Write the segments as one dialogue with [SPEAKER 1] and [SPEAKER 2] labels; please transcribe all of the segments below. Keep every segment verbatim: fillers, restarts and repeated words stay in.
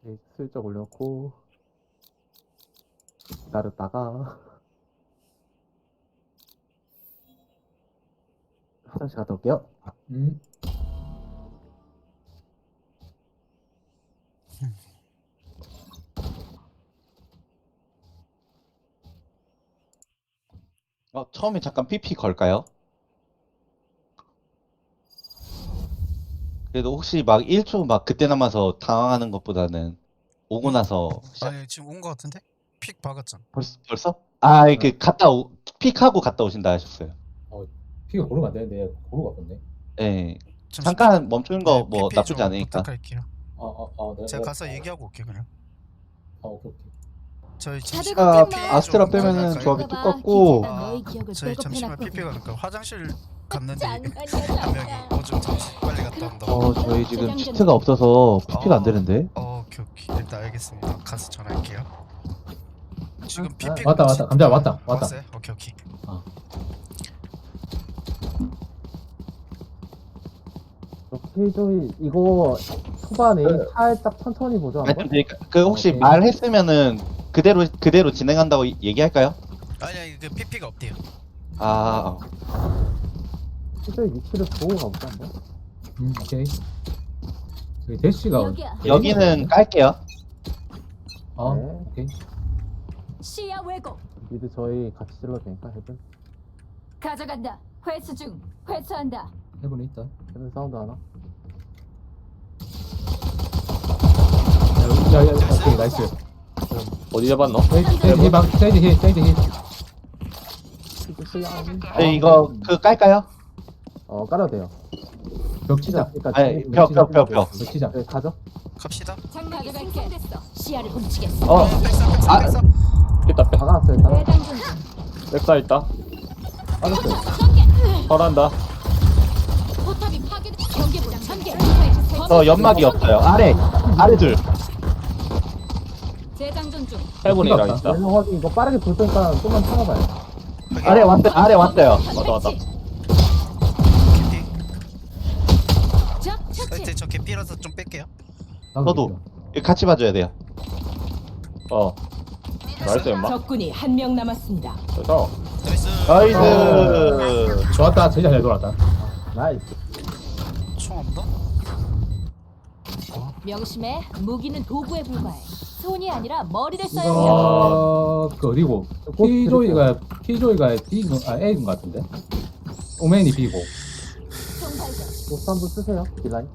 [SPEAKER 1] 이렇게 슬쩍 올려놓고 기다렸다가 화장실 갔다 올게요.
[SPEAKER 2] 음.
[SPEAKER 3] 어, 처음에 잠깐 피피 걸까요? 그래도 혹시 막 일 초 막 그때 남아서 당황하는 것보다는 오고 나서 시작.
[SPEAKER 4] 아니 지금 온 거 같은데? 픽 박았잖아.
[SPEAKER 3] 벌써? 벌써? 아, 이렇게 갔다 오, 픽하고 갔다 오신다 하셨어요.
[SPEAKER 2] 피가 고르면 안 되는데 고르고 갔네.
[SPEAKER 3] 예.
[SPEAKER 4] 잠시
[SPEAKER 3] 잠깐 멈추는 거
[SPEAKER 4] 네,
[SPEAKER 3] 뭐
[SPEAKER 4] 피피
[SPEAKER 3] 나쁘지
[SPEAKER 4] 좀
[SPEAKER 3] 않으니까.
[SPEAKER 4] 부탁할게요.
[SPEAKER 2] 아아아 내가
[SPEAKER 4] 제가 가서
[SPEAKER 2] 아,
[SPEAKER 4] 얘기하고 올게 그냥.
[SPEAKER 2] 아 오케이 오케이.
[SPEAKER 4] 저희
[SPEAKER 5] 다들
[SPEAKER 4] 잠시
[SPEAKER 3] 아,
[SPEAKER 5] 걱정 마.
[SPEAKER 3] 아스트라
[SPEAKER 4] 좀
[SPEAKER 3] 빼면은
[SPEAKER 4] 갈까요?
[SPEAKER 3] 조합이
[SPEAKER 5] 그거 봐,
[SPEAKER 3] 똑같고.
[SPEAKER 5] 기체가 너희 기억을
[SPEAKER 4] 저희 잠시만
[SPEAKER 5] 백업해놨거든.
[SPEAKER 4] 피피가 그러니까 화장실 갔는데
[SPEAKER 5] 장난이야,
[SPEAKER 4] 한 명이
[SPEAKER 5] 장난.
[SPEAKER 4] 오줌 잠시 빨리 갔다 온다고.
[SPEAKER 3] 어, 저희 지금 치트가 없어서 피피가 안 되는데.
[SPEAKER 4] 어, 오케이 오케이. 일단 알겠습니다. 가서 전화할게요. 지금
[SPEAKER 1] 아,
[SPEAKER 4] 피피
[SPEAKER 2] 왔다 왔다 감자 왔다 왔다.
[SPEAKER 4] 왔어요? 오케이 오케이.
[SPEAKER 1] 오케이 저희 이거 초반에
[SPEAKER 3] 네.
[SPEAKER 1] 살짝 천천히 보죠 한번.
[SPEAKER 3] 말씀드릴까? 그 혹시
[SPEAKER 1] 오케이.
[SPEAKER 3] 말했으면은 그대로 그대로 진행한다고 이- 얘기할까요?
[SPEAKER 4] 아니 아니 그 피피가 없대요.
[SPEAKER 3] 아,
[SPEAKER 1] 저희 위치를 보고 가보자 한번.
[SPEAKER 2] 음 오케이. 저기 대시가
[SPEAKER 5] 여기야.
[SPEAKER 3] 여기는 깔게요.
[SPEAKER 2] 어
[SPEAKER 1] 네.
[SPEAKER 2] 오케이.
[SPEAKER 5] 시야 왜곡.
[SPEAKER 1] 미드 저희 같이 질러도 되니까 헤븐.
[SPEAKER 5] 가져간다. 회수 중. 회수한다.
[SPEAKER 2] 해본에 있다.
[SPEAKER 1] 헤븐 사운드 하나.
[SPEAKER 2] 야야 오케이 나이스.
[SPEAKER 6] 어디 잡았노?
[SPEAKER 2] 세이지 세이지 힐 방, 세이지 힐 세이지 힐.
[SPEAKER 1] 미드 시야.
[SPEAKER 3] 네, 이거 그 깔까요?
[SPEAKER 1] 어 깔아도 돼요.
[SPEAKER 2] 벽 치자.
[SPEAKER 1] 그러니까
[SPEAKER 3] 아니,
[SPEAKER 1] 저희
[SPEAKER 3] 벽,
[SPEAKER 1] 위치
[SPEAKER 3] 벽, 벽,
[SPEAKER 1] 잡고
[SPEAKER 3] 벽.
[SPEAKER 2] 벽 치자.
[SPEAKER 1] 네 가죠.
[SPEAKER 4] 갑시다.
[SPEAKER 5] 장막이 생성됐어. 시야를 훔치겠어.
[SPEAKER 3] 어,
[SPEAKER 4] 백사 백사
[SPEAKER 3] 아.
[SPEAKER 4] 백사.
[SPEAKER 6] 있다 빼.
[SPEAKER 1] 박아놨어요 일단.
[SPEAKER 5] 대장전 중.
[SPEAKER 6] 백사 있다.
[SPEAKER 1] 빠졌어요.
[SPEAKER 6] 설한다.
[SPEAKER 5] 포탑이 파괴. 경계부장 전개.
[SPEAKER 3] 저 연막이 없어요. 아래, 아래 둘.
[SPEAKER 5] 재장전 중.
[SPEAKER 6] 해븐이랑
[SPEAKER 2] 없다.
[SPEAKER 6] 있다.
[SPEAKER 1] 왼쪽 확인 이거 빠르게 볼 테니까 좀만 참아봐요.
[SPEAKER 3] 아래 왔어요. 아래 왔어요.
[SPEAKER 6] 왔다 왔다.
[SPEAKER 4] 개피.
[SPEAKER 5] 적 처치.
[SPEAKER 4] 사이트 저 개피라서 좀 뺄게요.
[SPEAKER 3] 저도. 이거 같이 봐줘야 돼요.
[SPEAKER 6] 어. 나이스 엄마.
[SPEAKER 7] 적군이 한 명 남았습니다.
[SPEAKER 6] 그래서
[SPEAKER 4] 나이스.
[SPEAKER 3] 나이스.
[SPEAKER 2] 좋았다. 진짜 잘 돌았다.
[SPEAKER 1] 나이스.
[SPEAKER 4] 총 없나?
[SPEAKER 5] 명심해. 무기는 도구에 불과해. 손이 아니라 머리를 써야 해.
[SPEAKER 2] 이거 그 어디고? 키조이가 키조이가 B인 거- 아 A인 것 같은데. 오맨이 B고.
[SPEAKER 5] 총발견.
[SPEAKER 1] 로스 한번 쓰세요. 딜라인.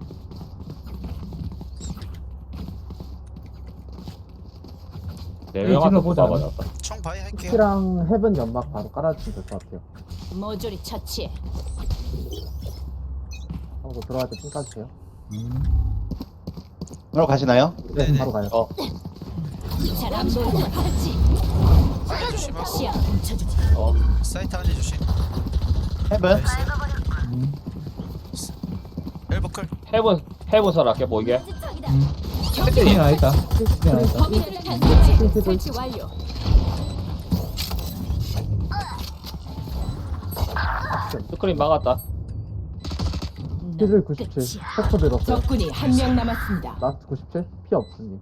[SPEAKER 6] 네
[SPEAKER 2] 네,
[SPEAKER 6] 명한테
[SPEAKER 2] 질러보자.
[SPEAKER 6] 뽑아버렸다.
[SPEAKER 4] 총 바이 할게요.
[SPEAKER 1] 피랑 헤븐 연막 바로 깔아주시면 될 것 같아요.
[SPEAKER 5] 모조리 처치.
[SPEAKER 1] 하고 들어갈 때 핑 까주세요.
[SPEAKER 2] 음.
[SPEAKER 3] 그럼 가시나요?
[SPEAKER 1] 네,
[SPEAKER 4] 네네.
[SPEAKER 1] 바로 가요.
[SPEAKER 6] 어.
[SPEAKER 5] 잘안 보인다. 팔찌.
[SPEAKER 4] 조심하고.
[SPEAKER 5] 시야 훔쳐주지.
[SPEAKER 6] 어.
[SPEAKER 4] 사이트 안에 조심.
[SPEAKER 3] 헤븐.
[SPEAKER 4] 나이스.
[SPEAKER 2] 음.
[SPEAKER 4] 엘버클.
[SPEAKER 6] 해븐 해븐 설 아껴 보이게.
[SPEAKER 2] 음. 힐 하나 있다. 힐 하나 있다.
[SPEAKER 5] 범인을 탈취. 설치 완료.
[SPEAKER 6] 스크린 막았다.
[SPEAKER 1] 피를 구십칠. 포커 들었어요.
[SPEAKER 7] 적군이 한 명 남았습니다.
[SPEAKER 1] 라스트 구십칠. 피 없으니.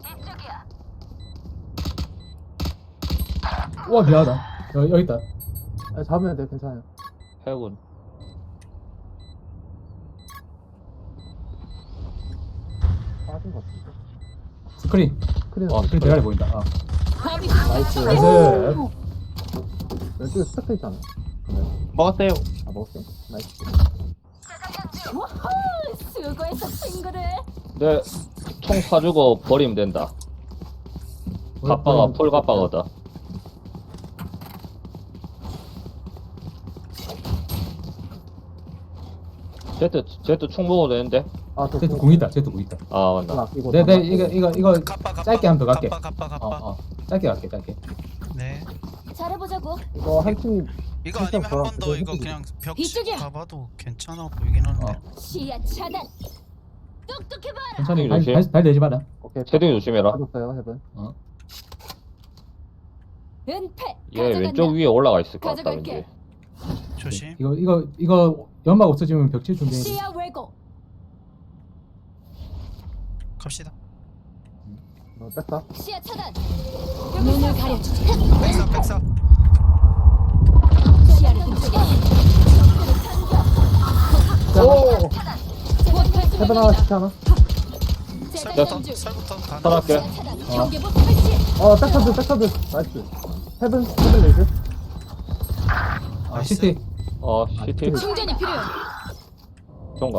[SPEAKER 2] 와 미안하다. 여기, 여기 있다.
[SPEAKER 1] 아, 잡으면 돼요. 괜찮아요.
[SPEAKER 6] 해븐.
[SPEAKER 1] 빠진 것 같은데.
[SPEAKER 2] 스크린.
[SPEAKER 1] 스크린.
[SPEAKER 6] 어,
[SPEAKER 2] 스크린 대가리 보인다. 아.
[SPEAKER 5] 범인
[SPEAKER 1] 나이스.
[SPEAKER 2] 나이스.
[SPEAKER 1] 왼쪽에 스택 있잖아요. 그러면.
[SPEAKER 3] 먹었어요.
[SPEAKER 1] 아, 먹었어요? 나이스.
[SPEAKER 5] 와호! 수고했어 친구들.
[SPEAKER 6] 내 총 사주고 버리면 된다. 갑바가 풀 갑바거든. 제트 제트 총 먹어도 되는데.
[SPEAKER 1] 아, 저
[SPEAKER 2] 제트 궁 있다. 제트 궁 있다.
[SPEAKER 6] 아
[SPEAKER 1] 좀
[SPEAKER 6] 맞나.
[SPEAKER 1] 아끼고.
[SPEAKER 2] 네, 네, 이거 이거 이거
[SPEAKER 4] 갑바 갑바.
[SPEAKER 2] 짧게 한번 더 갈게.
[SPEAKER 4] 갑바 갑바 갑바.
[SPEAKER 2] 어, 어. 짧게 갈게, 짧게.
[SPEAKER 4] 네.
[SPEAKER 5] 잘해보자고.
[SPEAKER 1] 이거 한 팀이
[SPEAKER 4] 이거
[SPEAKER 1] 살짝
[SPEAKER 4] 아니면 한 번 더
[SPEAKER 1] 돌아가고
[SPEAKER 4] 이거
[SPEAKER 1] 해주지.
[SPEAKER 4] 그냥 벽
[SPEAKER 5] 이쪽이야.
[SPEAKER 4] 가봐도 괜찮아 보이긴 하는데.
[SPEAKER 2] 어.
[SPEAKER 5] 시야 차단. 똑똑해봐.
[SPEAKER 2] 천천히
[SPEAKER 6] 이거
[SPEAKER 2] 발,
[SPEAKER 6] 조심.
[SPEAKER 2] 발, 발 내지 마라.
[SPEAKER 1] 오케이.
[SPEAKER 6] 채팅이 조심해라.
[SPEAKER 1] 빠졌어요. 헤븐.
[SPEAKER 5] 은폐.
[SPEAKER 6] 얘
[SPEAKER 5] 가져간다.
[SPEAKER 6] 왼쪽 위에 올라가 있을 것 같다
[SPEAKER 5] 가져갈게.
[SPEAKER 6] 왠지.
[SPEAKER 4] 조심.
[SPEAKER 2] 이거 이거 이거 연막 없어지면 벽칠 준비.
[SPEAKER 5] 시야 왜곡.
[SPEAKER 4] 갑시다.
[SPEAKER 1] 어, 뺐다.
[SPEAKER 5] 시야 차단. 눈을 가려주지.
[SPEAKER 4] 백사 백사.
[SPEAKER 5] 시야를 훔치게.
[SPEAKER 1] 오! 해변 하나 시켜 하나.
[SPEAKER 4] 설부터 설부터 다.
[SPEAKER 6] 살았게.
[SPEAKER 5] 경계부 설치.
[SPEAKER 1] 어, 백사드, 백사드. 나이스. 헤븐, 헤븐 레이즈.
[SPEAKER 2] 아 시티.
[SPEAKER 6] 어 시티
[SPEAKER 5] 충전이 필요해.
[SPEAKER 6] 좋은가?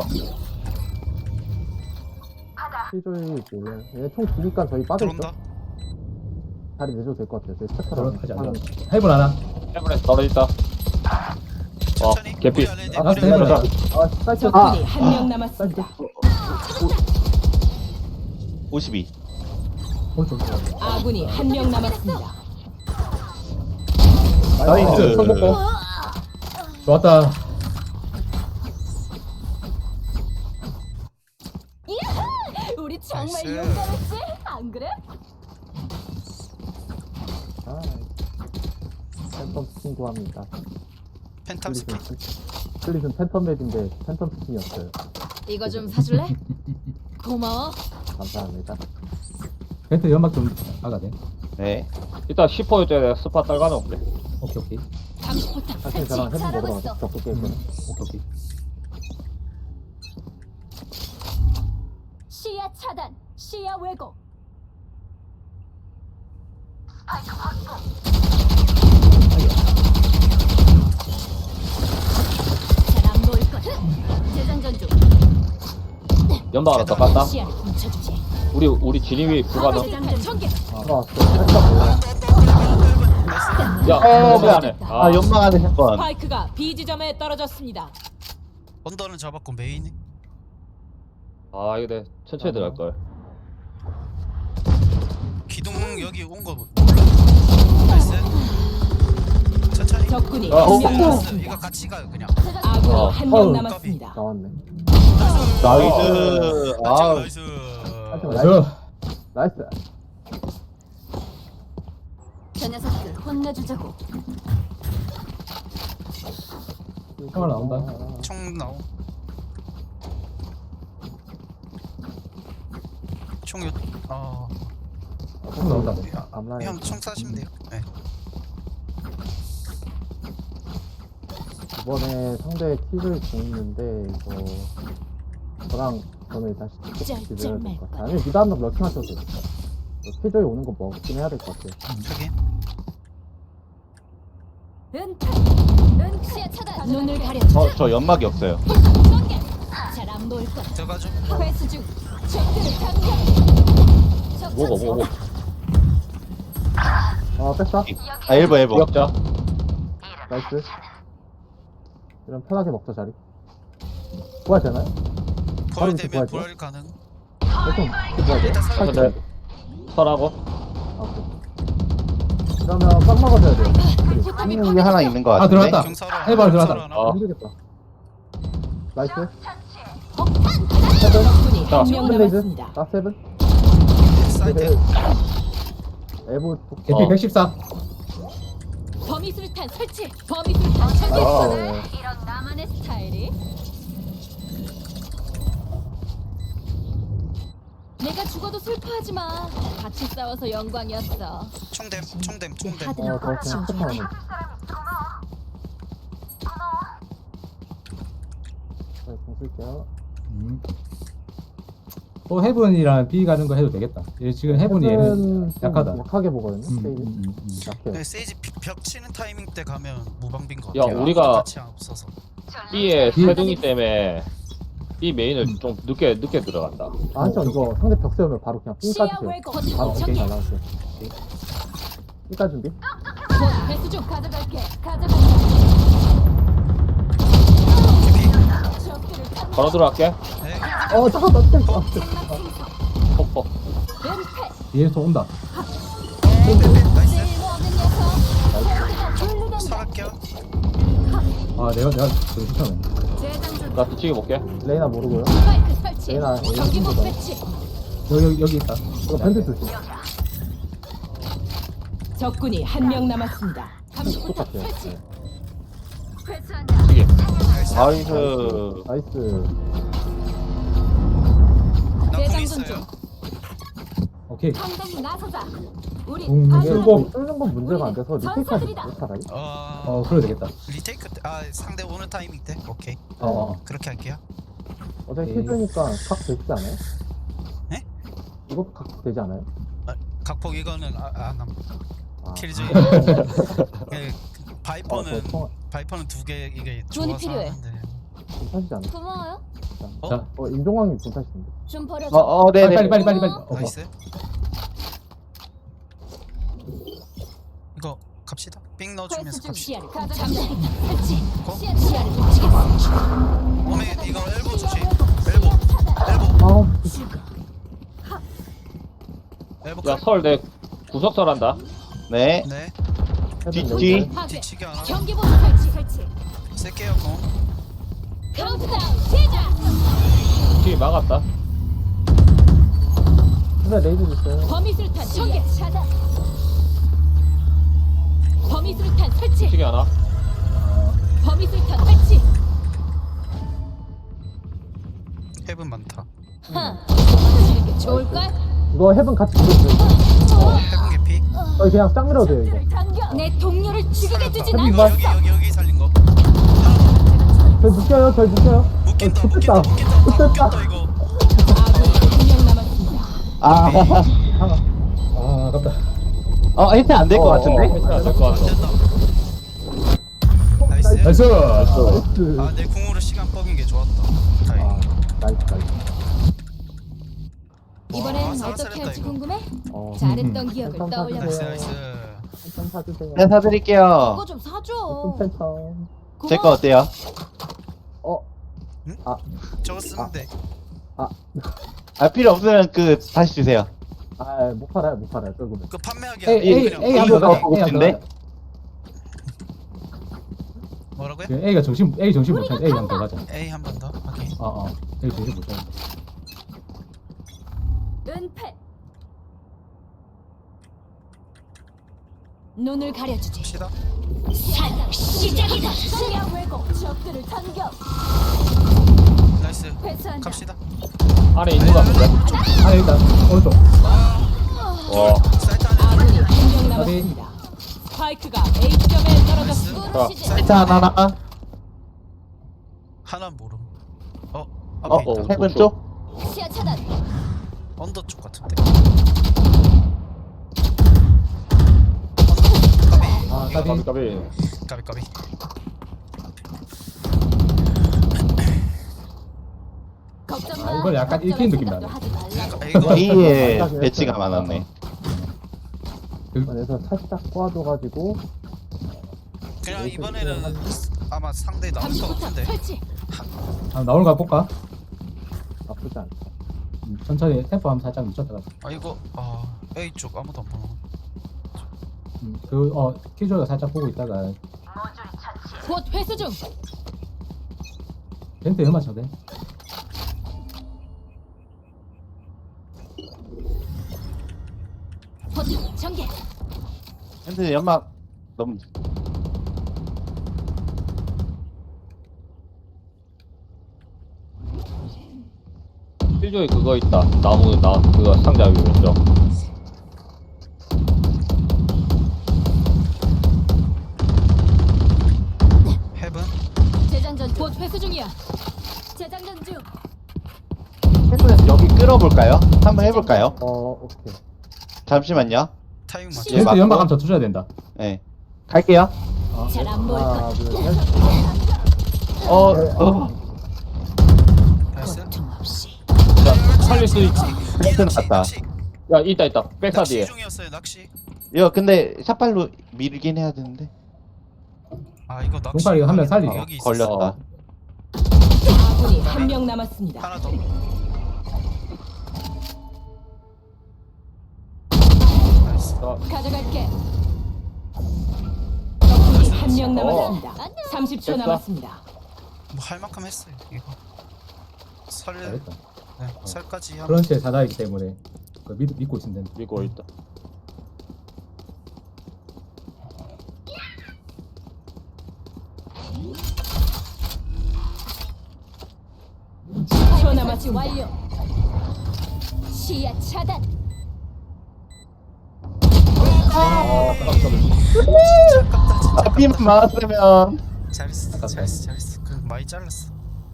[SPEAKER 1] 피조이 몰라요. 얘총 두니까 저희 빠져있죠?
[SPEAKER 4] 들어온다.
[SPEAKER 1] 자리 내줘도 될 것 같아요. 저희 스타터랑.
[SPEAKER 2] 하지 않나? 해븐 하나.
[SPEAKER 6] 해븐에 떨어졌다. 어
[SPEAKER 4] 천천히.
[SPEAKER 6] 개피.
[SPEAKER 4] 우리 안에
[SPEAKER 2] 아,
[SPEAKER 4] 우리
[SPEAKER 2] 해븐
[SPEAKER 4] 안에.
[SPEAKER 2] 하나.
[SPEAKER 1] 아, 사이트.
[SPEAKER 7] 적군이 한 명 남았습니다.
[SPEAKER 3] 오십이.
[SPEAKER 2] 오른쪽.
[SPEAKER 7] 아군이 한 명 남았습니다.
[SPEAKER 2] 나이스. 손 먹고. 좋았다.
[SPEAKER 5] 우리 정말
[SPEAKER 4] 나이스.
[SPEAKER 5] 용감했지? 안 그래?
[SPEAKER 1] 아, 팬텀 스킨 구합니다.
[SPEAKER 4] 팬텀 스킨.
[SPEAKER 1] 클릿은 팬텀 맵인데 팬텀 스킨이었어요.
[SPEAKER 5] 이거 좀 사줄래? 고마워.
[SPEAKER 1] 감사합니다.
[SPEAKER 2] 벤트 연막 좀 나가 돼.
[SPEAKER 3] 네.
[SPEAKER 6] 이따 십 퍼센트 스파 딸가 놓을게.
[SPEAKER 2] 오케이 오케이
[SPEAKER 5] 감시 포탑
[SPEAKER 1] 사실
[SPEAKER 5] 설치.
[SPEAKER 1] 저랑 헤븐
[SPEAKER 5] 잘하고
[SPEAKER 1] 먹으러
[SPEAKER 5] 있어.
[SPEAKER 1] 가서 적극 게임 거는.
[SPEAKER 2] 오케이 오케이.
[SPEAKER 5] 시야 차단. 시야 왜곡. 잘안 보일 거야. 재장전 중.
[SPEAKER 6] 연방 하나 더 깠다.
[SPEAKER 5] 시야를 훔쳐주지.
[SPEAKER 6] 우리 우리 진입이 불가능.
[SPEAKER 5] 재장전 전개.
[SPEAKER 1] 들어왔어. 살짝 몰라.
[SPEAKER 6] 야,
[SPEAKER 5] 어,
[SPEAKER 6] 왜 안 해?
[SPEAKER 3] 아, 연막 안에 한 번.
[SPEAKER 7] 스파이크가 B 지점에 떨어졌습니다.
[SPEAKER 4] 언더는 잡았고 메인이.
[SPEAKER 6] 아 이거 내 천천히 들어갈 걸.
[SPEAKER 4] 기둥 여기 온 거 몰라? 나이스. 천천히.
[SPEAKER 7] 적군이
[SPEAKER 6] 아,
[SPEAKER 7] 한 명
[SPEAKER 4] 나이스.
[SPEAKER 7] 남았습니다.
[SPEAKER 4] 이거 같이 가요 그냥.
[SPEAKER 7] 아군이
[SPEAKER 6] 어.
[SPEAKER 7] 한 명
[SPEAKER 1] 어우.
[SPEAKER 7] 남았습니다.
[SPEAKER 1] 나왔네.
[SPEAKER 3] 나이스.
[SPEAKER 4] 아,
[SPEAKER 3] 아,
[SPEAKER 4] 나이스.
[SPEAKER 1] 하지마.
[SPEAKER 2] 나이스.
[SPEAKER 1] 나이스.
[SPEAKER 5] 저 녀석들 혼내주자고.
[SPEAKER 2] 형아 나온다.
[SPEAKER 4] 총 나오. 총 요. 어.
[SPEAKER 2] 총 나온다.
[SPEAKER 1] 암라인.
[SPEAKER 4] 형총 쏴시면 돼요. 네.
[SPEAKER 1] 이번에 상대 키를 공있는데 이거 저랑 저는 다시
[SPEAKER 5] 짤,
[SPEAKER 1] 직접
[SPEAKER 5] 짤
[SPEAKER 1] 기대해야 될
[SPEAKER 5] 말
[SPEAKER 1] 것 같아요. 아니면 미드 한번 럭킹 하셔도 돼요. 키조이 오는 거 먹긴 해야 될 것 같아요.
[SPEAKER 4] 저기.
[SPEAKER 5] 은퇴. 은 시야 차단. 눈을 가려주지.
[SPEAKER 3] 어, 저 연막이 없어요.
[SPEAKER 5] 전개. 잘안 보일 거야.
[SPEAKER 4] 들어가죠.
[SPEAKER 5] 회수 중. 적들을 당겨.
[SPEAKER 6] 뭐고 뭐고.
[SPEAKER 1] 아, 뺐다.
[SPEAKER 3] 아, 일 번, 일 번.
[SPEAKER 6] 기억자.
[SPEAKER 1] 나이스. 이런 편하게 먹자, 자리. 부활 되나요? 바로
[SPEAKER 4] 부활
[SPEAKER 1] 이렇게
[SPEAKER 4] 되면
[SPEAKER 1] 부활
[SPEAKER 4] 부활 가능.
[SPEAKER 1] 보통 부활 돼?
[SPEAKER 4] 일단 살.
[SPEAKER 1] 팔
[SPEAKER 6] 근데 설하고.
[SPEAKER 1] 아, 오케이. 그러면 빵 먹어줘야 돼요.
[SPEAKER 5] 포탑이
[SPEAKER 3] 음, 게 하나 있는 것
[SPEAKER 2] 아,
[SPEAKER 3] 같은데.
[SPEAKER 2] 들어왔다.
[SPEAKER 4] 경사로.
[SPEAKER 2] 해봐, 들어가자.
[SPEAKER 4] 경사로 하나.
[SPEAKER 6] 어.
[SPEAKER 1] 힘들겠다. 나이스.
[SPEAKER 7] 적군이
[SPEAKER 6] 자,
[SPEAKER 7] 한 명
[SPEAKER 1] 세븐 레이즈.
[SPEAKER 7] 남았습니다.
[SPEAKER 1] 나 세븐.
[SPEAKER 4] 사이드.
[SPEAKER 1] 에보
[SPEAKER 2] 개피
[SPEAKER 6] 어.
[SPEAKER 2] 백십사.
[SPEAKER 5] 범위술탄 설치. 범위술탄 설치.
[SPEAKER 1] 아,
[SPEAKER 5] 이런 나만의 스타일이. 내가 죽어도 슬퍼하지 마. 같이 싸워서 영광이었어.
[SPEAKER 4] 총댐. 총댐.
[SPEAKER 5] 내
[SPEAKER 4] 총댐.
[SPEAKER 5] 하드는
[SPEAKER 1] 어,
[SPEAKER 5] 꼭
[SPEAKER 1] 저 그냥
[SPEAKER 5] 지워줘야 돼.
[SPEAKER 1] 스타하네. 네, 공 쓸게요.
[SPEAKER 2] 음. 또 해븐이랑 B 가는 거 해도 되겠다. 얘 지금 해븐이 얘는
[SPEAKER 1] 헤븐 좀
[SPEAKER 2] 약하다.
[SPEAKER 1] 약하게 보거든요.
[SPEAKER 2] 음,
[SPEAKER 1] 스테이지.
[SPEAKER 2] 음, 음, 음.
[SPEAKER 1] 약해요.
[SPEAKER 4] 네, 세이지 비- 벽 치는 타이밍 때 가면 무방비인 것
[SPEAKER 6] 야,
[SPEAKER 4] 같아요.
[SPEAKER 6] 우리가-
[SPEAKER 4] 같이 없어서.
[SPEAKER 6] B의
[SPEAKER 2] B-
[SPEAKER 6] 세둥이 때문에 B 메인을 좀 늦게 늦게 들어간다.
[SPEAKER 1] 아, 한점 이거 상대 벽 세우면 바로 그냥 삥
[SPEAKER 5] 시야
[SPEAKER 1] 까주세요.
[SPEAKER 5] 왜곡.
[SPEAKER 1] 바로
[SPEAKER 5] 포탑
[SPEAKER 1] 오케이,
[SPEAKER 5] 전개.
[SPEAKER 1] 잘 나왔어요. 삥까 준비.
[SPEAKER 5] 곧 회수 중. 가져갈게. 가져갈게. 적들을 당겨.
[SPEAKER 6] 바로 들어갈게.
[SPEAKER 4] 네.
[SPEAKER 1] 어, 잠깐만. 잠깐만.
[SPEAKER 6] 폭포.
[SPEAKER 5] 은퇴.
[SPEAKER 2] 뒤에서 온다.
[SPEAKER 4] 나이스.
[SPEAKER 5] 쓸모없는 녀석. 졸르던데.
[SPEAKER 4] 살할게요.
[SPEAKER 2] 아 내가 내가 저기 추천해.
[SPEAKER 5] 재장전.
[SPEAKER 6] 나 뒤치기 볼게.
[SPEAKER 1] 레이나 모르고요.
[SPEAKER 5] 스파이크 설치.
[SPEAKER 1] 레이나
[SPEAKER 5] 경기복
[SPEAKER 1] 레이나
[SPEAKER 5] 배치.
[SPEAKER 2] 여기 여기, 여기 있다.
[SPEAKER 1] 이거 밴드 조심.
[SPEAKER 7] 적군이 한 명 남았습니다.
[SPEAKER 5] 감시 포탑
[SPEAKER 1] 똑같아요.
[SPEAKER 5] 설치.
[SPEAKER 1] 네.
[SPEAKER 5] 회수한다.
[SPEAKER 6] 뒤치기.
[SPEAKER 3] 나이스.
[SPEAKER 1] 나이스.
[SPEAKER 4] 나공
[SPEAKER 5] 재장전
[SPEAKER 4] 있어요.
[SPEAKER 5] 중.
[SPEAKER 2] 오케이.
[SPEAKER 5] 당당히 나서자. 우리
[SPEAKER 2] 음,
[SPEAKER 5] 아주
[SPEAKER 2] 일곱.
[SPEAKER 1] 뚫는 건 문제가 안 돼서 리테이크하지
[SPEAKER 5] 전사들이다.
[SPEAKER 1] 못하라.
[SPEAKER 4] 어,
[SPEAKER 2] 어, 그래도 되겠다.
[SPEAKER 4] 리테이크 때, 아 상대 오는 타이밍 때 오케이
[SPEAKER 2] 어, 어.
[SPEAKER 4] 그렇게 할게요.
[SPEAKER 1] 어차피
[SPEAKER 2] 오케이.
[SPEAKER 1] 킬조이니까 각 되지 않아요?
[SPEAKER 4] 네?
[SPEAKER 1] 이것도 각 되지 않아요?
[SPEAKER 4] 각폭 이거는 아안
[SPEAKER 1] 아,
[SPEAKER 4] 킬즈이.
[SPEAKER 1] 아,
[SPEAKER 4] 그,
[SPEAKER 1] 어,
[SPEAKER 4] 바이퍼는
[SPEAKER 1] 저 통-
[SPEAKER 4] 바이퍼는 두 개 이게
[SPEAKER 5] 돈이
[SPEAKER 4] 좋아서
[SPEAKER 5] 필요해.
[SPEAKER 4] 하는데.
[SPEAKER 1] 분타시지 않아요?
[SPEAKER 5] 고마워요.
[SPEAKER 4] 어?
[SPEAKER 2] 자,
[SPEAKER 1] 어, 임종왕이 분타시던데.
[SPEAKER 5] 좀 버려줘.
[SPEAKER 3] 어, 어,
[SPEAKER 2] 빨리
[SPEAKER 3] 네네.
[SPEAKER 2] 빨리 빨리 빨리 빨리. 어, 어.
[SPEAKER 4] 나이스. 이거 갑시다. 삥 넣어주면서
[SPEAKER 5] 퀘스트 중
[SPEAKER 4] 갑시다.
[SPEAKER 5] 시야를 잠시 설치.
[SPEAKER 4] 고?
[SPEAKER 5] 시야 시야를 훔치겠어.
[SPEAKER 4] 오메 이거 엘보 조심. 엘보 엘보
[SPEAKER 1] 아우,
[SPEAKER 4] 엘보.
[SPEAKER 6] 야 설 내 구석설 한다.
[SPEAKER 3] 네.
[SPEAKER 4] 네.
[SPEAKER 3] 뒤,
[SPEAKER 1] 헤븐
[SPEAKER 3] 뒤.
[SPEAKER 1] 레이저.
[SPEAKER 5] 파괴.
[SPEAKER 4] 뒤치기 하나.
[SPEAKER 5] 경기 보수 설치 설치.
[SPEAKER 4] 쓸게요 공.
[SPEAKER 5] 카운트다운 시작.
[SPEAKER 6] 뒤 막았다.
[SPEAKER 1] 헤븐 레이저 있어요.
[SPEAKER 5] 범위술탄 전개 차단. 범위술탄 설치.
[SPEAKER 6] 뒤치기 하나.
[SPEAKER 5] 범위술탄 설치.
[SPEAKER 4] 헤븐 많다.
[SPEAKER 5] 하. 도망치는 게 좋을걸?
[SPEAKER 1] 이거 헤븐 같이 죽였어요.
[SPEAKER 4] 헤븐 개피.
[SPEAKER 1] 어, 그냥 짱 밀어도 돼요, 이거.
[SPEAKER 5] 내 동료를 죽이게 두진
[SPEAKER 4] 이거
[SPEAKER 5] 않겠어.
[SPEAKER 4] 여기 여기 여기 살린 거.
[SPEAKER 1] 절 묶여요, 절 묶여요.
[SPEAKER 4] 묶인다
[SPEAKER 1] 어,
[SPEAKER 4] 묶인다
[SPEAKER 1] 좋겠다.
[SPEAKER 4] 묶인다
[SPEAKER 1] 좋겠다.
[SPEAKER 4] 묶였다 이거.
[SPEAKER 7] 아군이 한 명 남았습니다.
[SPEAKER 3] 아,
[SPEAKER 2] 아, 아깝다.
[SPEAKER 3] 어, 힐트 안 될 것
[SPEAKER 1] 어,
[SPEAKER 3] 같은데?
[SPEAKER 6] 패스 안될것 같아.
[SPEAKER 4] 된다. 나이스.
[SPEAKER 2] 나이스.
[SPEAKER 1] 나이스.
[SPEAKER 4] 아 내 궁으로 시간 뻑인 게 좋았다.
[SPEAKER 1] 아,
[SPEAKER 4] 다행.
[SPEAKER 1] 나이스, 나이스.
[SPEAKER 4] 와,
[SPEAKER 5] 이번엔 어떻게
[SPEAKER 4] 쌀쌀했다,
[SPEAKER 5] 할지
[SPEAKER 4] 이거.
[SPEAKER 5] 궁금해?
[SPEAKER 1] 어,
[SPEAKER 5] 잘했던
[SPEAKER 2] 음.
[SPEAKER 5] 기억을
[SPEAKER 1] 음.
[SPEAKER 5] 떠올려.
[SPEAKER 4] 나이스
[SPEAKER 1] 네.
[SPEAKER 4] 나이스.
[SPEAKER 1] 좀 사주세요.
[SPEAKER 3] 네, 사드릴게요.
[SPEAKER 5] 그거 좀 사줘.
[SPEAKER 1] 좀 펜션.
[SPEAKER 3] 제 거 어때요?
[SPEAKER 1] 어,
[SPEAKER 4] 저거 쓰는데.
[SPEAKER 3] 아, 필요 없으면 그, 다시 주세요.
[SPEAKER 1] 아, 못 팔아요, 못 팔아요, 조금은.
[SPEAKER 4] 그 판매하기
[SPEAKER 2] A A
[SPEAKER 4] 그냥
[SPEAKER 2] A 한
[SPEAKER 3] 이거
[SPEAKER 2] 번 더.
[SPEAKER 3] 보고
[SPEAKER 2] A 한 번
[SPEAKER 3] 싶은데?
[SPEAKER 2] 더.
[SPEAKER 4] 뭐라고요?
[SPEAKER 2] 그 A가 정신 A 정신 못 차려. A 한 번 더 가자.
[SPEAKER 4] A 한 번 더. 오케이.
[SPEAKER 2] 어, 어. A 정신 못 차려.
[SPEAKER 5] 은폐. 눈을 가려주지.
[SPEAKER 4] 갑시다.
[SPEAKER 5] 사냥 시작이다. 시야 왜곡. 적들을 당겨.
[SPEAKER 4] 나이스.
[SPEAKER 5] 회수한다.
[SPEAKER 4] 갑시다.
[SPEAKER 6] 안에 있는 거 같은데.
[SPEAKER 2] 아, 일단 오른쪽.
[SPEAKER 6] 와.
[SPEAKER 4] 사이트 안에
[SPEAKER 7] 아군이 한 명 남았습니다. 스파이크가 A 지점에 떨어졌습니다.
[SPEAKER 5] 부르시지.
[SPEAKER 3] 일단 하나, 하나.
[SPEAKER 4] 하나 모름. 어
[SPEAKER 3] 어,
[SPEAKER 4] 앞에 있다.
[SPEAKER 3] 헤븐 쪽?
[SPEAKER 5] 시야 차단.
[SPEAKER 4] 언더 쪽 같은데. 언더.
[SPEAKER 2] 아,
[SPEAKER 4] 까비.
[SPEAKER 2] 까비.
[SPEAKER 6] 까비.
[SPEAKER 4] 까비 까비.
[SPEAKER 5] 걱정
[SPEAKER 2] 아,
[SPEAKER 5] 마.
[SPEAKER 2] 이걸 약간
[SPEAKER 5] 걱정할
[SPEAKER 2] 읽힌 느낌
[SPEAKER 5] 생각도
[SPEAKER 2] 나네.
[SPEAKER 5] 하지 말라고.
[SPEAKER 4] 아, 이거
[SPEAKER 3] A에
[SPEAKER 1] 맞다,
[SPEAKER 3] 배치가
[SPEAKER 1] 그랬어요.
[SPEAKER 3] 많았네.
[SPEAKER 1] 그래서 살짝 꼬아줘가지고,
[SPEAKER 4] 그냥 이번에는 아마 상대 나올 것
[SPEAKER 5] 감시부터
[SPEAKER 4] 같은데.
[SPEAKER 5] 설치.
[SPEAKER 2] 아, 나오는 거 볼까?
[SPEAKER 1] 나쁘지 않다.
[SPEAKER 2] 음, 천천히 템포 한번 살짝 늦췄다가.
[SPEAKER 4] 아 이거 아 A 쪽 아무도 안 보나.
[SPEAKER 2] 음, 그, 어, 키조가 살짝 보고 있다가
[SPEAKER 5] 곧 회수 중.
[SPEAKER 2] 벤트 연마 쳐대.
[SPEAKER 5] 포탑 전개.
[SPEAKER 3] 근데 연막 너무
[SPEAKER 6] 필조에 그거 있다. 나무 나 그거 상자 위에 있죠.
[SPEAKER 4] 헤븐.
[SPEAKER 5] 재장전 곧 회수 중이야. 재장전 중.
[SPEAKER 3] 헤븐 여기 끌어볼까요? 한번 해볼까요?
[SPEAKER 1] 어, 오케이.
[SPEAKER 3] 잠시만요.
[SPEAKER 4] 타이밍 맞죠?
[SPEAKER 3] 예,
[SPEAKER 2] 벤트
[SPEAKER 3] 맞고.
[SPEAKER 2] 연막 한번 더 쳐줘야 된다.
[SPEAKER 3] 네. 갈게요.
[SPEAKER 2] 어.
[SPEAKER 5] 잘 안 보일
[SPEAKER 1] 하나,
[SPEAKER 5] 것.
[SPEAKER 1] 둘, 셋.
[SPEAKER 3] 어, 어.
[SPEAKER 4] 나이스.
[SPEAKER 5] 고통 없이.
[SPEAKER 6] 자, 살릴 수 있지.
[SPEAKER 3] 벤트 나왔다.
[SPEAKER 4] 낚시.
[SPEAKER 6] 야 있다 있다. 백사
[SPEAKER 4] 낚시
[SPEAKER 6] 뒤에.
[SPEAKER 4] 중이었어요 낚시.
[SPEAKER 3] 이거 근데 샷발로 밀긴 해야 되는데.
[SPEAKER 4] 아 이거 낚시.
[SPEAKER 2] 동팔이 이거 한명 살리죠.
[SPEAKER 4] 여기 있었어.
[SPEAKER 3] 걸렸다.
[SPEAKER 7] 아군이 한 명 남았습니다.
[SPEAKER 4] 하나 더. 나이스.
[SPEAKER 5] 가져갈게.
[SPEAKER 7] 적군이 한 명
[SPEAKER 6] 어.
[SPEAKER 7] 남았습니다.
[SPEAKER 5] 안녕.
[SPEAKER 7] 삼십 초
[SPEAKER 6] 됐어?
[SPEAKER 7] 남았습니다.
[SPEAKER 4] 뭐 할 만큼 했어요 이거. 설.
[SPEAKER 2] 잘했다.
[SPEAKER 4] 네, 설까지 하면.
[SPEAKER 2] 크런치의 사다이기 때문에 그 믿, 믿고 있으면 된다.
[SPEAKER 6] 믿고 있다.
[SPEAKER 7] 십 초
[SPEAKER 5] 설치
[SPEAKER 7] 남았습니다.
[SPEAKER 5] 완료. 시야 차단.
[SPEAKER 2] 아, 아깝다.
[SPEAKER 4] 진짜 아깝다 진짜
[SPEAKER 3] 아, B만 막았으면.
[SPEAKER 4] 잘했어
[SPEAKER 2] 아깝다.
[SPEAKER 4] 잘했어 잘했어 그 많이 잘랐어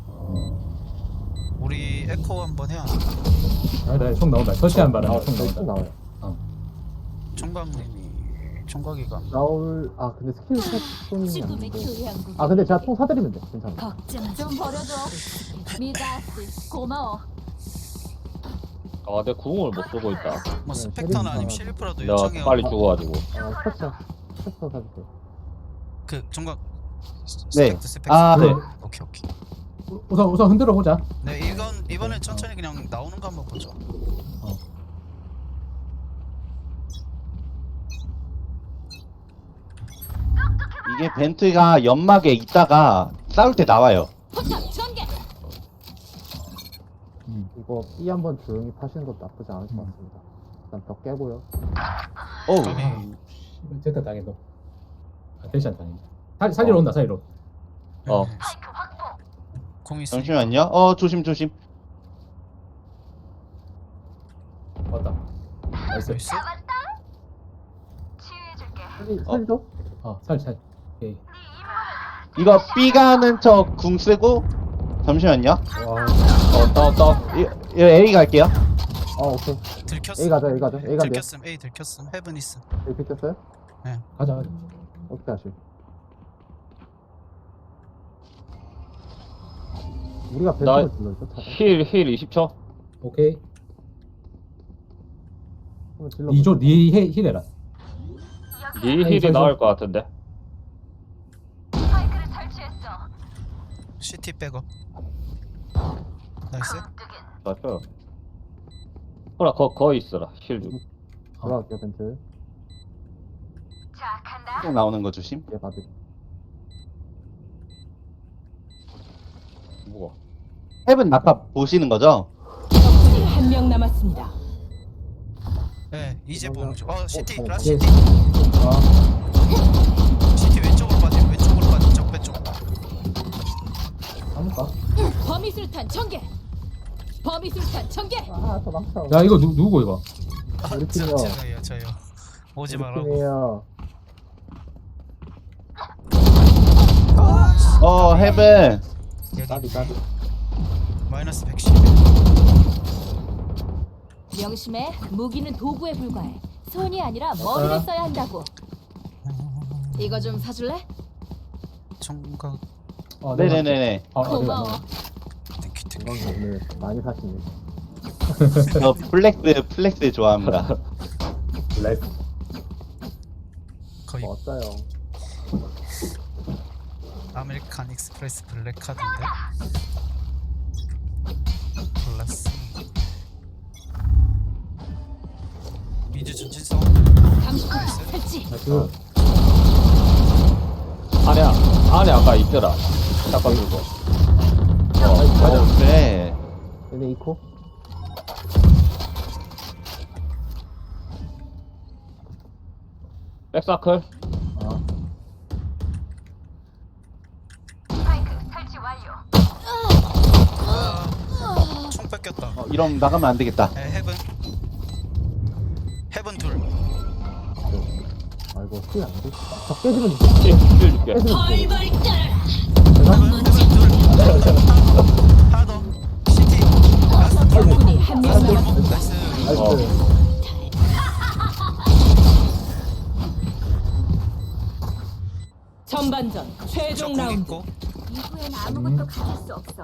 [SPEAKER 4] 우리 에코 한번 해야
[SPEAKER 2] 아, 나 총 나온다. 터치한 바람에
[SPEAKER 1] 아,
[SPEAKER 2] 총
[SPEAKER 1] 저기 또
[SPEAKER 2] 나온다.
[SPEAKER 1] 나와요.
[SPEAKER 4] 총각님이 총각이가
[SPEAKER 1] 나올 아 근데 스킬 샷 쏘는 게
[SPEAKER 5] 죽음의
[SPEAKER 1] 아닌데.
[SPEAKER 5] 교양국.
[SPEAKER 1] 아 근데 제가 총 사드리면 돼. 괜찮아.
[SPEAKER 5] 걱정 좀 버려줘. 미다스 고마워.
[SPEAKER 6] 아, 내 구멍을 못 쓰고 있다.
[SPEAKER 4] 뭐
[SPEAKER 1] 네,
[SPEAKER 4] 스펙터나
[SPEAKER 1] 쉐리프
[SPEAKER 4] 아니면 쉐리프라도
[SPEAKER 6] 내가
[SPEAKER 4] 요청해요
[SPEAKER 6] 빨리 죽어가지고.
[SPEAKER 1] 아 스샷 스샷 사주세요.
[SPEAKER 4] 그 총각
[SPEAKER 3] 네.
[SPEAKER 4] 스펙터 스펙터
[SPEAKER 3] 아,
[SPEAKER 2] 네.
[SPEAKER 4] 오케이 오케이
[SPEAKER 2] 우선 우선 흔들어 보자.
[SPEAKER 4] 네 이건 이번엔 천천히 그냥 나오는 거 한번 보죠
[SPEAKER 3] 이게 벤트가 연막에 있다가 싸울 때 나와요.
[SPEAKER 5] 포탑 전개.
[SPEAKER 1] 이거 B 한번 조용히 파시는 것도 나쁘지 않을 것
[SPEAKER 2] 음.
[SPEAKER 1] 같습니다. 일단 벽 깨고요.
[SPEAKER 3] 어우.
[SPEAKER 4] 까비
[SPEAKER 2] 제타 당해도. 아, 대시한 당해. 살 살리러 온다 살리러.
[SPEAKER 6] 어.
[SPEAKER 4] 네. 공 있어
[SPEAKER 3] 잠시만요. 어, 조심, 조심.
[SPEAKER 2] 왔다. 나이스.
[SPEAKER 4] 나이스
[SPEAKER 1] 살리 살리죠?
[SPEAKER 2] 어, 살 살. 오케이.
[SPEAKER 3] 이거 B 가는 척 궁 쓰고. 잠시만요.
[SPEAKER 1] 와.
[SPEAKER 6] 어, 다운, 다운.
[SPEAKER 3] 이, 이 A 갈게요.
[SPEAKER 1] 아 오케이.
[SPEAKER 4] 들켰음
[SPEAKER 1] A 가자 A 가자 A 간대요.
[SPEAKER 4] 들켰음 A 들켰음 헤븐 있음
[SPEAKER 1] A 비켰어요?
[SPEAKER 2] 가자 가자.
[SPEAKER 1] 어떻게 하실? 우리가
[SPEAKER 6] 나-
[SPEAKER 1] 벤트를 질러죠? 차가?
[SPEAKER 6] 힐, 힐 이십 초.
[SPEAKER 2] 오케이.
[SPEAKER 1] 한번 질러.
[SPEAKER 2] 이조 니 힐- 힐해라.
[SPEAKER 6] 니
[SPEAKER 2] 아니,
[SPEAKER 6] 힐이
[SPEAKER 2] 저-
[SPEAKER 6] 나을 것 같은데.
[SPEAKER 4] 시티 백업 나이스
[SPEAKER 6] 맞죠? 호라, 거, 거기 있어라. 힐 좀.
[SPEAKER 1] 들어갈게요 벤트.
[SPEAKER 3] 또 나오는 거 조심.
[SPEAKER 1] 얘 받을.
[SPEAKER 6] 뭐가?
[SPEAKER 3] 헤븐 아까 보시는 거죠?
[SPEAKER 7] 적군이 한 명 남았습니다.
[SPEAKER 4] 네 이제
[SPEAKER 1] 뭔가-
[SPEAKER 4] 보는 중어 시티
[SPEAKER 1] 어,
[SPEAKER 4] 라스
[SPEAKER 2] 예.
[SPEAKER 4] 시티
[SPEAKER 2] 아,
[SPEAKER 4] 시티 왼쪽으로 빠짐 왼쪽으로 빠짐 적배 쪽
[SPEAKER 2] 까먹까?
[SPEAKER 5] 범위술탄 전개. 범위술탄 전개.
[SPEAKER 1] 아 도망쳐.
[SPEAKER 2] 야 이거 누 누구 이거?
[SPEAKER 4] 아,
[SPEAKER 1] 우리
[SPEAKER 4] 저,
[SPEAKER 1] 팀이요.
[SPEAKER 4] 저요 저요 오지 말라고
[SPEAKER 1] 팀이에요.
[SPEAKER 3] 어, 헤븐.
[SPEAKER 1] 까비
[SPEAKER 4] 여기
[SPEAKER 1] 까비.
[SPEAKER 4] 마이너스 백십
[SPEAKER 5] 명심해. 무기는 도구에 불과해. 손이 아니라 머리를
[SPEAKER 2] 아.
[SPEAKER 5] 써야 한다고. 이거 좀 사줄래?
[SPEAKER 4] 총각
[SPEAKER 2] 어, 내가 할게.
[SPEAKER 3] 네네네네.
[SPEAKER 2] 어, 어, 내가
[SPEAKER 5] 고마워.
[SPEAKER 2] 할게.
[SPEAKER 4] 땡큐 땡큐
[SPEAKER 1] 건강 오늘 많이 사시네.
[SPEAKER 3] 저 플렉스, 플렉스 좋아합니다.
[SPEAKER 2] 레스.
[SPEAKER 4] 거의
[SPEAKER 1] 뭐 어때요?
[SPEAKER 4] 아메리칸 익스프레스 블랙 카드인데 플러스 미주 전진성
[SPEAKER 5] 감시포탑 설치.
[SPEAKER 2] 나이스.
[SPEAKER 6] 안에, 안에 아까 있더라. 잠깐 들고.
[SPEAKER 3] 어, 맞아. 그래.
[SPEAKER 1] 얘네 이코?
[SPEAKER 6] 백사클.
[SPEAKER 2] 어.
[SPEAKER 4] 총 뺏겼다
[SPEAKER 3] 어, 이러면 나가면 안 되겠다.
[SPEAKER 4] 에 헤븐 헤븐 둘
[SPEAKER 1] 아이고 힐 안 돼. 저 깨지면
[SPEAKER 6] 힐, 힐 줄게.
[SPEAKER 1] 깨지면
[SPEAKER 4] 헤븐 헤븐 둘 하나 더 시티 라스트 골목
[SPEAKER 7] 적군이 한 명 남았습니다.
[SPEAKER 4] 골목 나이스
[SPEAKER 1] 나이스.
[SPEAKER 6] 어.
[SPEAKER 7] 전반전 최종
[SPEAKER 4] 저공
[SPEAKER 7] 라운드.
[SPEAKER 4] 있고
[SPEAKER 5] 이후엔 아무것도 가질 수 없어.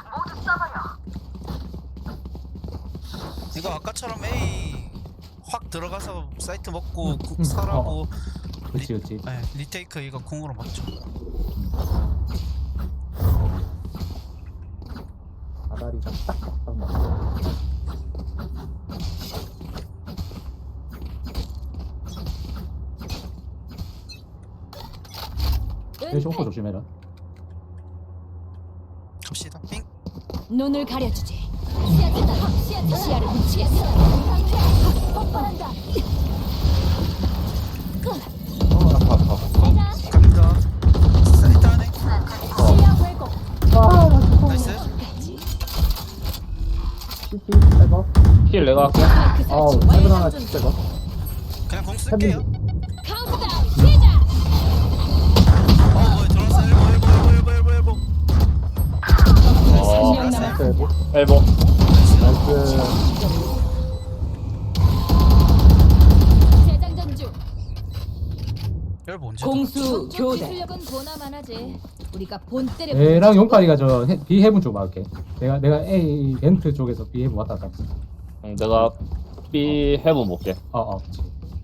[SPEAKER 4] 이거 아까처럼 A 확 들어가서 사이트 먹고 구-
[SPEAKER 2] 음,
[SPEAKER 4] 살하고
[SPEAKER 2] 그렇지 그렇지.
[SPEAKER 4] 네, 리테이크 이거 공으로 맞죠
[SPEAKER 1] 아다리가 딱딱 맞아.
[SPEAKER 2] 대시 오퍼 조심해라.
[SPEAKER 4] 갑시다 삥
[SPEAKER 5] 눈을 가려주지. 시야차다. 시야차다. 시야를 훔치겠어. 폭발한다.
[SPEAKER 3] 어, 아파, 아파.
[SPEAKER 4] 고! 갑니다 사이트 안에
[SPEAKER 5] 시야 왜곡.
[SPEAKER 1] 아, 나 진짜.
[SPEAKER 4] 나이스
[SPEAKER 1] 시티 빼고.
[SPEAKER 6] 힐 내가 할게.
[SPEAKER 5] 마이크
[SPEAKER 1] 아우
[SPEAKER 5] 설치
[SPEAKER 1] 세븐 하나
[SPEAKER 5] 완료.
[SPEAKER 1] 치 빼고.
[SPEAKER 4] 그냥 공 쓰 쓸게요.
[SPEAKER 5] 카운트다운 시작.
[SPEAKER 4] 어 뭐야 들어왔어. 엘보 엘보 엘보 엘보 엘보.
[SPEAKER 6] 어,
[SPEAKER 7] 한명 남았습니다.
[SPEAKER 6] 엘보.
[SPEAKER 1] 나이스.
[SPEAKER 5] 재장전 중.
[SPEAKER 4] 엘보 언제?
[SPEAKER 7] 공수
[SPEAKER 5] 저쪽
[SPEAKER 7] 교대.
[SPEAKER 5] 기술력은 보나마나지. 우리가 본때를
[SPEAKER 2] 얘랑 용팔이가 저 해- B 해븐 쪽 막을게. 내가 내가 A 벤트 쪽에서 B 해븐 왔다 갔다. 했어.
[SPEAKER 6] 응, 내가 B 해본 볼게.
[SPEAKER 2] 어 어. 그치.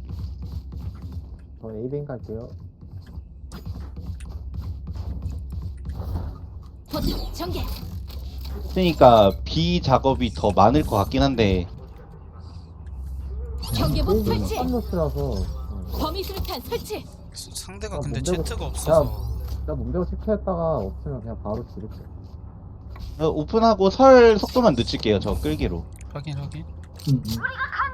[SPEAKER 1] 저 에이빙 갈게요.
[SPEAKER 5] 포탑 전개.
[SPEAKER 3] 그러니까 B 작업이 더 많을 것 같긴 한데
[SPEAKER 5] 경계복
[SPEAKER 1] 에이빙은
[SPEAKER 5] 설치.
[SPEAKER 1] 깜노스라서
[SPEAKER 5] 범위 술탄 설치.
[SPEAKER 4] 상대가
[SPEAKER 1] 아,
[SPEAKER 4] 근데
[SPEAKER 1] 뭔데고-
[SPEAKER 4] 제트가 없어서.
[SPEAKER 1] 나 몸대고 체크했다가 없으면 그냥 바로 지를게.
[SPEAKER 3] 어, 오픈하고 설 속도만 늦출게요. 저 끌기로.
[SPEAKER 4] 확인 확인.
[SPEAKER 2] 음, 음.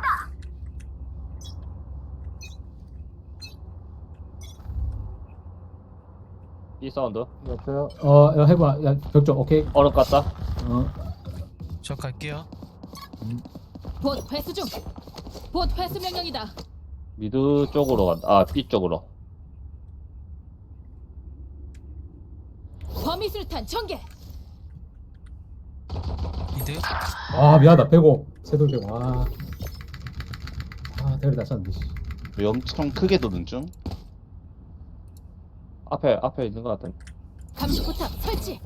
[SPEAKER 6] B 사운드.
[SPEAKER 1] 여보세요?
[SPEAKER 2] 어 야, 해봐. 야 벽쪽 오케이.
[SPEAKER 6] 얼음 갔다.
[SPEAKER 2] 어.
[SPEAKER 4] 저 갈게요.
[SPEAKER 5] 봇 회수 중. 봇 회수 명령이다.
[SPEAKER 6] 미드 쪽으로 간다. 아, B 쪽으로.
[SPEAKER 5] 범위 술탄 전개.
[SPEAKER 4] 미드.
[SPEAKER 2] 아 미안하다. 빼고 세돌 빼고. 아. 아 대가리 다쳤는데. 씨.
[SPEAKER 3] 엄청 크게 도는 중.
[SPEAKER 6] 앞에, 앞에 있는 것 같은데.
[SPEAKER 5] 감시 포탑 설치.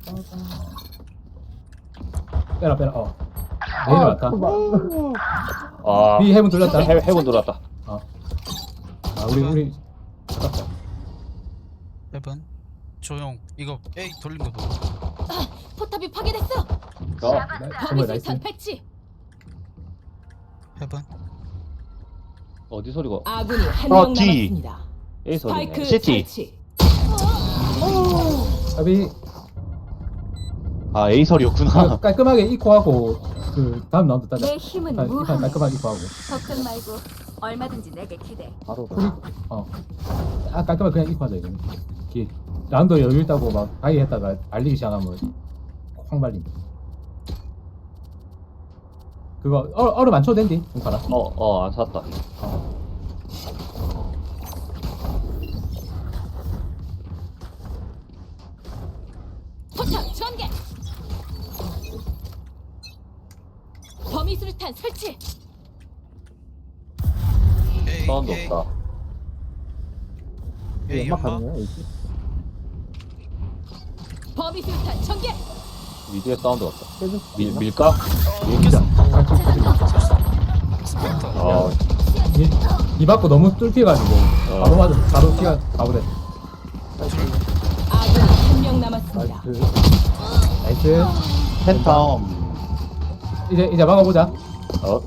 [SPEAKER 2] 빼라 빼라. 어. 내일 왔다.
[SPEAKER 6] 아,
[SPEAKER 2] B 해븐 돌렸다.
[SPEAKER 6] 해, 해본 들어왔다.
[SPEAKER 2] 아 우리 우리 아깝다.
[SPEAKER 4] 에번. 조용. 이거 A 돌린 거 봐.
[SPEAKER 5] 포탑이 파괴됐어.
[SPEAKER 6] 어,
[SPEAKER 2] 나-
[SPEAKER 5] 범위
[SPEAKER 2] 정말 나이스.
[SPEAKER 5] 술탄 배치.
[SPEAKER 4] 에번.
[SPEAKER 6] 어디 소리가?
[SPEAKER 7] 아군이 한
[SPEAKER 3] 어,
[SPEAKER 7] 명
[SPEAKER 3] D.
[SPEAKER 7] 남았습니다.
[SPEAKER 6] A
[SPEAKER 7] 스파이크
[SPEAKER 6] 소리네.
[SPEAKER 3] 시티.
[SPEAKER 7] 설치.
[SPEAKER 2] 아비
[SPEAKER 3] 아 A설이었구나.
[SPEAKER 2] 깔끔하게 이코하고 그 다음 라운드 따자.
[SPEAKER 5] 내 힘은
[SPEAKER 2] 아, 이판
[SPEAKER 5] 무한.
[SPEAKER 2] 깔끔하게 이코하고.
[SPEAKER 5] 걱정 말고 얼마든지 내게 기대.
[SPEAKER 1] 바로.
[SPEAKER 2] 어. 아 깔끔하게 그냥 이코하자 이거는. 기 라운드 여유 있다고 막 바이 했다가 알리기 시작하면 확 말린다. 그거 얼, 얼음 안 쳐도 된디 동파라.
[SPEAKER 6] 어, 어, 안 샀다.
[SPEAKER 5] 포탑 전개. 범위 술탄 설치.
[SPEAKER 4] A
[SPEAKER 6] 사운드
[SPEAKER 4] A
[SPEAKER 6] 없다.
[SPEAKER 4] A
[SPEAKER 1] 연막
[SPEAKER 4] 연막.
[SPEAKER 1] 가능해요? 이지?
[SPEAKER 5] 범위 술탄 전개.
[SPEAKER 6] 미드에 사운드 없다.
[SPEAKER 1] 깨줄 수
[SPEAKER 6] 밀,
[SPEAKER 1] 있나?
[SPEAKER 6] 밀까?
[SPEAKER 4] 어
[SPEAKER 2] 밀자.
[SPEAKER 4] 이겼어.
[SPEAKER 2] 같이 붙이자.
[SPEAKER 4] 스펙터.
[SPEAKER 6] 어,
[SPEAKER 2] 이, 이 받고 너무 뚫혀가지고
[SPEAKER 6] 어.
[SPEAKER 2] 바로 맞아 바로 뛰가 가보래.
[SPEAKER 7] 아군이 한 명 남았습니다.
[SPEAKER 1] 나이스.
[SPEAKER 2] 나이스.
[SPEAKER 3] 팬텀.
[SPEAKER 2] 이제 이제 막아보자.
[SPEAKER 6] 어,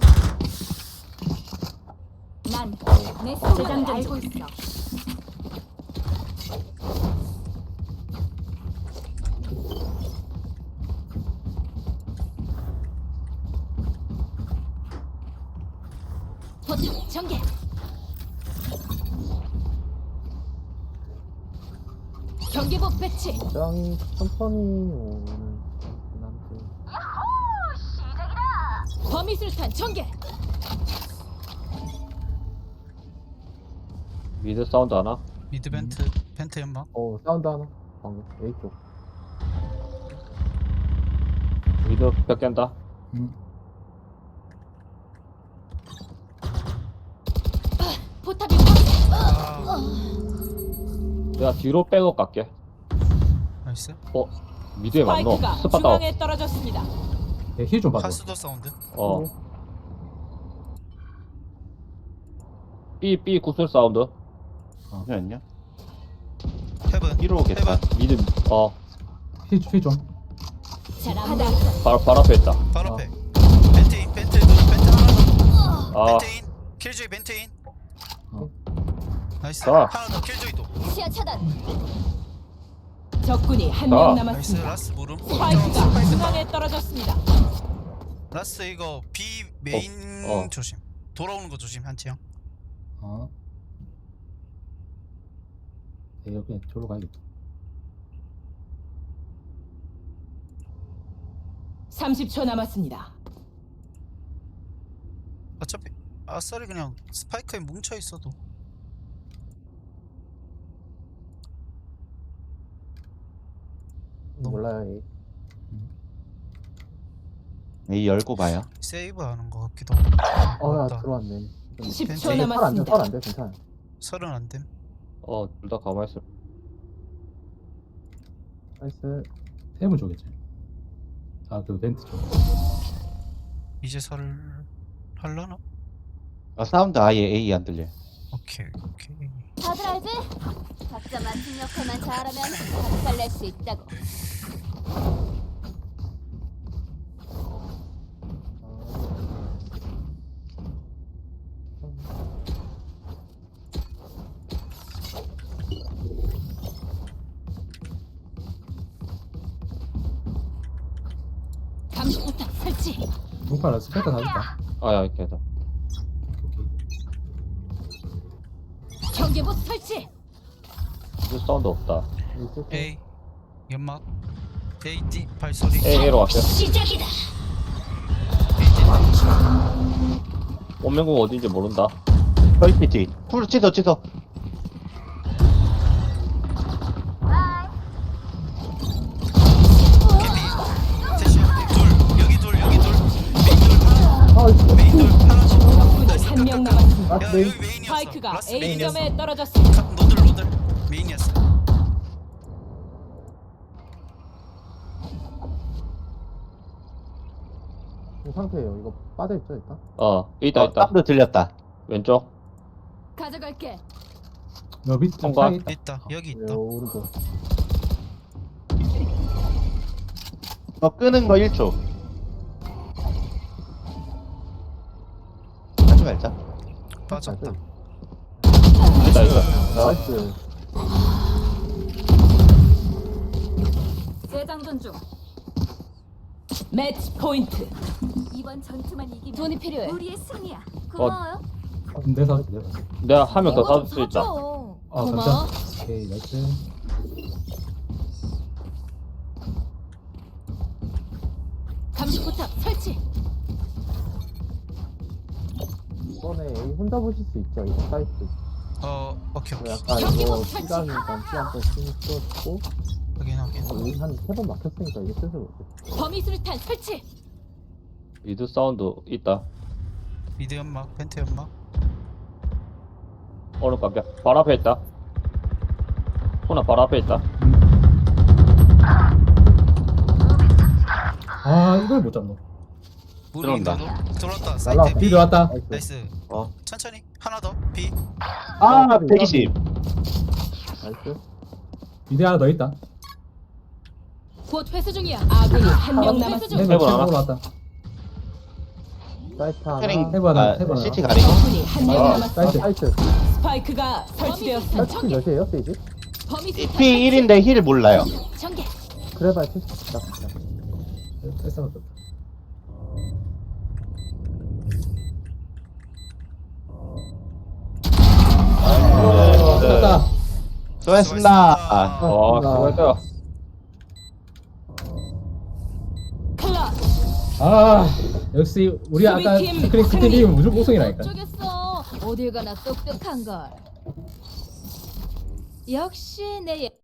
[SPEAKER 5] 난내 소장을 알고 있어. 포탑 전개. 경계복 배치.
[SPEAKER 1] 굉장히 천천히 오는 긴 한데.
[SPEAKER 5] 범위 술탄 전개.
[SPEAKER 6] 미드 사운드 하나?
[SPEAKER 4] 미드 벤트. 벤트 연막.
[SPEAKER 1] 어, 사운드 하나. 방금 A 쪽.
[SPEAKER 6] 미드 벽 깬다.
[SPEAKER 2] 음.
[SPEAKER 5] 포탑이 파괴.
[SPEAKER 4] 아
[SPEAKER 6] 내가 뒤로 빼고 갈게.
[SPEAKER 4] 나이스.
[SPEAKER 6] 어, 미드에 맞노?
[SPEAKER 7] 스파이크가
[SPEAKER 6] 스팟 다운.
[SPEAKER 7] 중앙에 떨어졌습니다.
[SPEAKER 2] 네, 힐좀 봐줘.
[SPEAKER 4] 카스도 사운드.
[SPEAKER 6] 어. B, B 구슬 사운드.
[SPEAKER 3] 잠시만요.
[SPEAKER 4] 헤븐.
[SPEAKER 3] B로 오겠다.
[SPEAKER 4] 헤븐.
[SPEAKER 6] 미드, 어,
[SPEAKER 2] 힐 좀.
[SPEAKER 5] 잘한다.
[SPEAKER 6] 바로, 바로 앞에 있다.
[SPEAKER 4] 바로
[SPEAKER 2] 어.
[SPEAKER 4] 앞에. 벤트인 벤트 둘 벤트 하나 더.
[SPEAKER 6] 아,
[SPEAKER 4] 벤트인. 킬조이 벤트인.
[SPEAKER 2] 어.
[SPEAKER 4] 나이스.
[SPEAKER 6] 자.
[SPEAKER 4] 하나 더 킬조이도.
[SPEAKER 5] 시야 차단.
[SPEAKER 7] 적군이 한
[SPEAKER 6] 아.
[SPEAKER 7] 명
[SPEAKER 4] 나이스.
[SPEAKER 7] 남았습니다.
[SPEAKER 4] 라스 무름.
[SPEAKER 7] 스파이크가 중앙에 떨어졌습니다.
[SPEAKER 4] 라스 이거 B 메인
[SPEAKER 6] 어, 어.
[SPEAKER 4] 조심. 돌아오는 거 조심 한치 형.
[SPEAKER 2] 어. 네, 여기 그냥 저로 가야겠다.
[SPEAKER 7] 삼십 초 남았습니다.
[SPEAKER 4] 어차피 아싸리 그냥 스파이크에 뭉쳐 있어도.
[SPEAKER 1] 몰라요. 이.
[SPEAKER 3] A 열고 봐요.
[SPEAKER 4] 세이브 하는 것 같기도 하고.
[SPEAKER 1] 어야
[SPEAKER 4] 맞다.
[SPEAKER 1] 들어왔네.
[SPEAKER 7] 십 초
[SPEAKER 4] 괜찮아.
[SPEAKER 7] 남았습니다.
[SPEAKER 1] 설안돼 괜찮아.
[SPEAKER 4] 설은 안 됨.
[SPEAKER 6] 어, 둘 다 가만히 있어.
[SPEAKER 1] 나이스.
[SPEAKER 2] 세문 쪽이지. 아, 그 벤트 쪽.
[SPEAKER 4] 이제 설을 할라나?
[SPEAKER 3] 아, 사운드 아예 A 안 들려.
[SPEAKER 4] 오케이 오케이.
[SPEAKER 5] 다들 알지? 각자 맡은 역할만 잘하면 박살 낼 수 있다고. 감시포탑 설치.
[SPEAKER 2] 문파라 스펙터 사줬다.
[SPEAKER 6] 아, 야, 이렇게 하자.
[SPEAKER 5] 경계봇 설치.
[SPEAKER 6] 이 사운드 없다.
[SPEAKER 1] 있을 때.
[SPEAKER 4] A 연막. A D 발소리.
[SPEAKER 6] A, A로 갈게요.
[SPEAKER 5] 시작이다.
[SPEAKER 6] 원명궁 어딘지 모른다.
[SPEAKER 3] 펄피티. 풀 찢어 찢어.
[SPEAKER 4] 셋이 둘 여기 둘 여기 둘 메인 둘 파란.
[SPEAKER 1] 아 이거.
[SPEAKER 4] 메인 둘 파란색.
[SPEAKER 7] 적군이 한 명 남았습니다.
[SPEAKER 1] 아
[SPEAKER 4] 야
[SPEAKER 1] 네.
[SPEAKER 4] 여기 메인이었어.
[SPEAKER 7] 스파이크가
[SPEAKER 4] 라스
[SPEAKER 7] A
[SPEAKER 4] 메인이었어.
[SPEAKER 7] 지점에 떨어졌습니다.
[SPEAKER 4] 가- 노들 노들 메인이었어.
[SPEAKER 1] 이 상태예요. 이거 빠져 있죠 일단.
[SPEAKER 6] 어, 있다,
[SPEAKER 3] 어,
[SPEAKER 6] 있다.
[SPEAKER 3] 사운드 들렸다.
[SPEAKER 6] 왼쪽.
[SPEAKER 5] 가져갈게.
[SPEAKER 2] 너 밑, 좀
[SPEAKER 6] 통과.
[SPEAKER 2] 사이 있다.
[SPEAKER 4] 있다 여기
[SPEAKER 1] 네,
[SPEAKER 4] 있다.
[SPEAKER 1] 오른쪽.
[SPEAKER 3] 어, 끄는 거 일 초. 하지 말자.
[SPEAKER 4] 빠졌다.
[SPEAKER 6] 있다, 있다.
[SPEAKER 1] 나이스.
[SPEAKER 5] 재장전 중.
[SPEAKER 7] 매치 포인트.
[SPEAKER 5] 이번 전투만 이기면 돈이 필요해. 우리의 승리야. 고마워요.
[SPEAKER 2] 내 사, 내 사.
[SPEAKER 6] 내가 한 명 더
[SPEAKER 5] 이거 좀
[SPEAKER 6] 사줄 수 있다.
[SPEAKER 5] 사줘.
[SPEAKER 2] 아,
[SPEAKER 5] 고마워.
[SPEAKER 2] 감사. 오케이, 나이스.
[SPEAKER 5] 감시포탑 설치.
[SPEAKER 1] 이번에 A 혼자 보실 수 있죠. 이거 사이트.
[SPEAKER 4] 어 오케이
[SPEAKER 1] 뭐
[SPEAKER 4] 오케이.
[SPEAKER 1] 약간
[SPEAKER 5] 경기
[SPEAKER 1] 이거
[SPEAKER 5] 못 설치.
[SPEAKER 1] 시간이니까 시간도 쓰고
[SPEAKER 4] 확인 확인.
[SPEAKER 1] 한세 번 막혔으니까 이게 슬슬 오겠다.
[SPEAKER 5] 범위 수류탄 설치.
[SPEAKER 6] 미드 사운드 있다.
[SPEAKER 4] 미드 연막 펜트 연막.
[SPEAKER 6] 오늘 깜짝. 바로 앞에 있다. 호나 바로 앞에 있다.
[SPEAKER 2] 아, 이걸 못 잡노.
[SPEAKER 3] 들어온다.
[SPEAKER 4] 들어왔다.
[SPEAKER 1] 날라.
[SPEAKER 4] 사이트
[SPEAKER 2] B
[SPEAKER 4] B.
[SPEAKER 2] 들어왔다.
[SPEAKER 1] 나이스.
[SPEAKER 4] 나이스.
[SPEAKER 3] 어.
[SPEAKER 4] 천천히 하나 더 B.
[SPEAKER 3] 아, 백이십.
[SPEAKER 1] 나이스.
[SPEAKER 2] 미대 하나 더 있다.
[SPEAKER 5] 곧 회수 중이야.
[SPEAKER 7] 아군이 한 명
[SPEAKER 5] 회수
[SPEAKER 7] 남았습니다.
[SPEAKER 5] 중.
[SPEAKER 2] 해본
[SPEAKER 6] 해본 하나?
[SPEAKER 2] 올라왔다.
[SPEAKER 1] 사이트 하나.
[SPEAKER 3] 캐링.
[SPEAKER 2] 해봐, 나
[SPEAKER 3] 아,
[SPEAKER 2] 해봐, 나.
[SPEAKER 3] 시티 가리고.
[SPEAKER 7] 적군이 한 명
[SPEAKER 6] 아,
[SPEAKER 7] 남았습니다.
[SPEAKER 1] 아,
[SPEAKER 2] 사이트.
[SPEAKER 1] 사이트.
[SPEAKER 7] 스파이크가 설치되었습니다.
[SPEAKER 1] 사이트 몇이에요, 세이지?
[SPEAKER 5] 범위 수류탄
[SPEAKER 3] 피 일인데 힐 몰라요.
[SPEAKER 5] 전개.
[SPEAKER 1] 그래봐야 칠십 딱. 딱.
[SPEAKER 2] 패스가 떴다. 떴다.
[SPEAKER 3] 수고했습니다. 아,
[SPEAKER 6] 어, 수고했다.
[SPEAKER 7] 클럽.
[SPEAKER 2] 아, 역시 우리 아까
[SPEAKER 7] 수비팀
[SPEAKER 2] 스크린
[SPEAKER 7] 승리.
[SPEAKER 2] 스크린이 무조건 우승이라니까.
[SPEAKER 5] 어쩌겠어. 어딜 가나 똑똑한 걸. 역시 내 예-